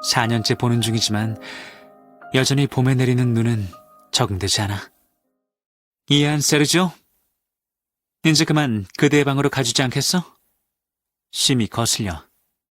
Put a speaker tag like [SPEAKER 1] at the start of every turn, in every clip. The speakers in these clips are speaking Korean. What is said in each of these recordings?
[SPEAKER 1] 4년째 보는 중이지만 여전히 봄에 내리는 눈은 적응되지 않아. 이해한 세르지오? 이제 그만 그대의 방으로 가주지 않겠어? 심히 거슬려.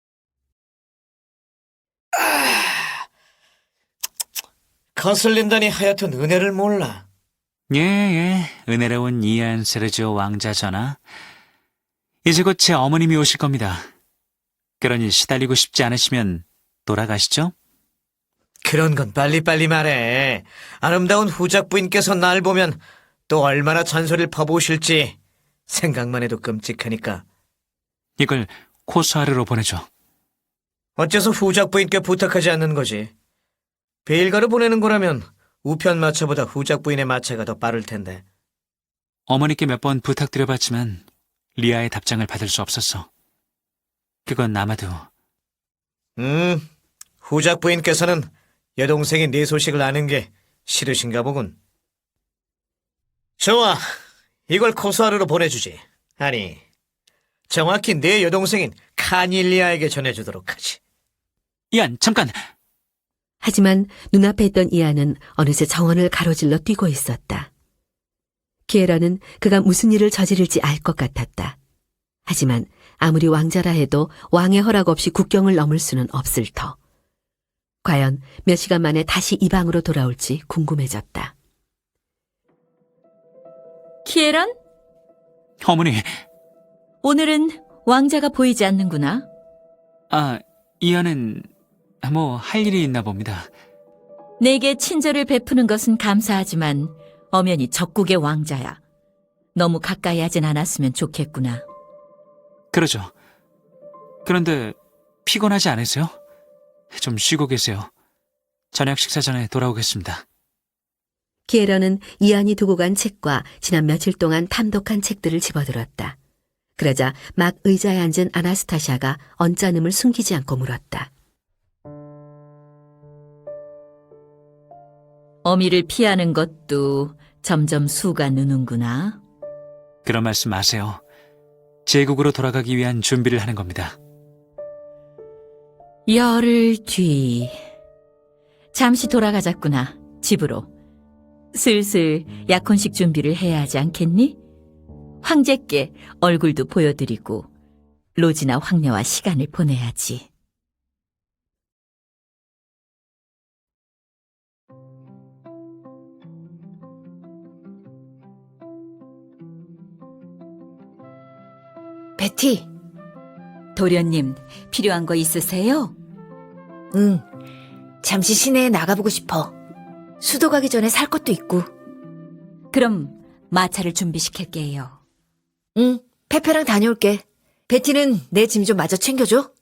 [SPEAKER 2] 거슬린다니 하여튼 은혜를 몰라.
[SPEAKER 1] 예, 은혜로운 이해한 세르지오 왕자 전하. 이제 곧 제 어머님이 오실 겁니다. 그러니 시달리고 싶지 않으시면 돌아가시죠?
[SPEAKER 2] 그런 건 빨리빨리 말해. 아름다운 후작 부인께서 날 보면 또 얼마나 잔소리를 퍼부으실지 생각만 해도 끔찍하니까.
[SPEAKER 1] 이걸 코스하르로 보내줘.
[SPEAKER 2] 어째서 후작 부인께 부탁하지 않는 거지? 베일가로 보내는 거라면 우편 마차보다 후작 부인의 마차가 더 빠를 텐데.
[SPEAKER 1] 어머니께 몇 번 부탁드려봤지만 리아의 답장을 받을 수 없었어. 그건 아마도
[SPEAKER 2] 후작 부인께서는 여동생이 네 소식을 아는 게 싫으신가 보군. 좋아, 이걸 코스하르로 보내주지. 아니, 정확히 내 여동생인 카닐리아에게 전해주도록 하지.
[SPEAKER 1] 이안, 잠깐!
[SPEAKER 3] 하지만 눈앞에 있던 이안은 어느새 정원을 가로질러 뛰고 있었다. 키에라는 그가 무슨 일을 저지를지 알 것 같았다. 하지만 아무리 왕자라 해도 왕의 허락 없이 국경을 넘을 수는 없을 터. 과연 몇 시간 만에 다시 이 방으로 돌아올지 궁금해졌다.
[SPEAKER 4] 키에란?
[SPEAKER 1] 어머니,
[SPEAKER 4] 오늘은 왕자가 보이지 않는구나.
[SPEAKER 1] 이안은 할 일이 있나 봅니다.
[SPEAKER 4] 내게 친절을 베푸는 것은 감사하지만 엄연히 적국의 왕자야. 너무 가까이 하진 않았으면 좋겠구나.
[SPEAKER 1] 그러죠. 그런데 피곤하지 않으세요? 좀 쉬고 계세요. 저녁 식사 전에 돌아오겠습니다.
[SPEAKER 3] 키에라는 이안이 두고 간 책과 지난 며칠 동안 탐독한 책들을 집어들었다. 그러자 막 의자에 앉은 아나스타샤가 언짢음을 숨기지 않고 물었다.
[SPEAKER 4] 어미를 피하는 것도 점점 수가 느는구나.
[SPEAKER 1] 그런 말씀 마세요. 제국으로 돌아가기 위한 준비를 하는 겁니다.
[SPEAKER 4] 열흘 뒤. 잠시 돌아가자꾸나, 집으로. 슬슬 약혼식 준비를 해야 하지 않겠니? 황제께 얼굴도 보여드리고 로지나 황녀와 시간을 보내야지.
[SPEAKER 5] 베티,
[SPEAKER 4] 도련님, 필요한 거 있으세요?
[SPEAKER 5] 응. 잠시 시내에 나가보고 싶어. 수도 가기 전에 살 것도 있고.
[SPEAKER 4] 그럼 마차를 준비시킬게요.
[SPEAKER 5] 응, 페페랑 다녀올게. 베티는 내 짐 좀 마저 챙겨줘.